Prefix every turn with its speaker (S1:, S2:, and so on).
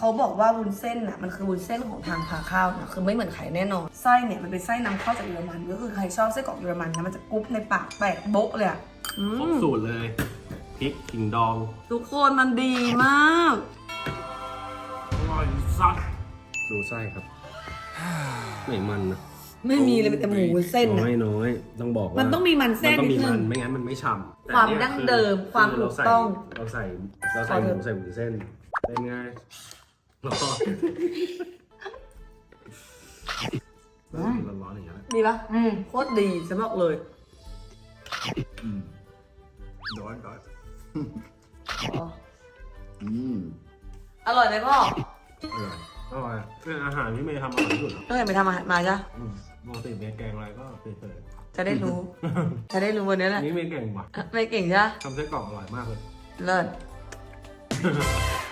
S1: เขาบอกว่าวุ้นเส้นน่ะมันคือวุ้นเส้นของทางพาข้าวนะคือไม่เหมือนไข่แน่นอนไส้เนี่ยมันเป็นไส้นำเข้าจากเยอรมันก็คือใครชอบไส้กรอกเยอรมันนะมันจะกรุบในปากแตกโบ๊ะเลยอ่ะ
S2: ครบสูตรเลยพริกขิงดอง
S1: ทุกคนมันดีมาก
S2: อร่อยสัสดูไส้ครับไม่มันนะ
S1: ไม่มีเลยเป็นแต่หมูวุ้นเส้น
S2: น้
S1: นะ
S2: อยน้อยต้องบอกว่า
S1: มันต้องมีมันแทรก
S2: มันต้อง
S1: นิ
S2: มี
S1: ดนึ
S2: มัน
S1: ง
S2: ไม่งั้นมันไม่ฉ่ำ
S1: ความ
S2: แต่เนี่ย
S1: ดั้งเดิมความถูกต้อง
S2: เราใส่หมูใส่วุ้นเส้นเป็นไงร้อนร้อนอย่างเงี้ย
S1: ดีปะโคตรดีฉันบอกเลย
S2: ร้อนร้อน
S1: อร่อยไหมพ่อ
S2: อร่อยเป็นอาหารที่เมย์ทำอร่อยที่สุด
S1: ตั้งแต่ไปทำอาหารมาจ้ะ
S2: ปกติเมย์แกงอะไรก็เฉย
S1: จะได้รู้ จะได้รู้วันนี้แหละ
S2: ๆนี่เมย์เก่งว่ะ
S1: ไม่เก่งใช่ไหม
S2: ทำไส้กรอกอร่อยมากเลย
S1: เลิศ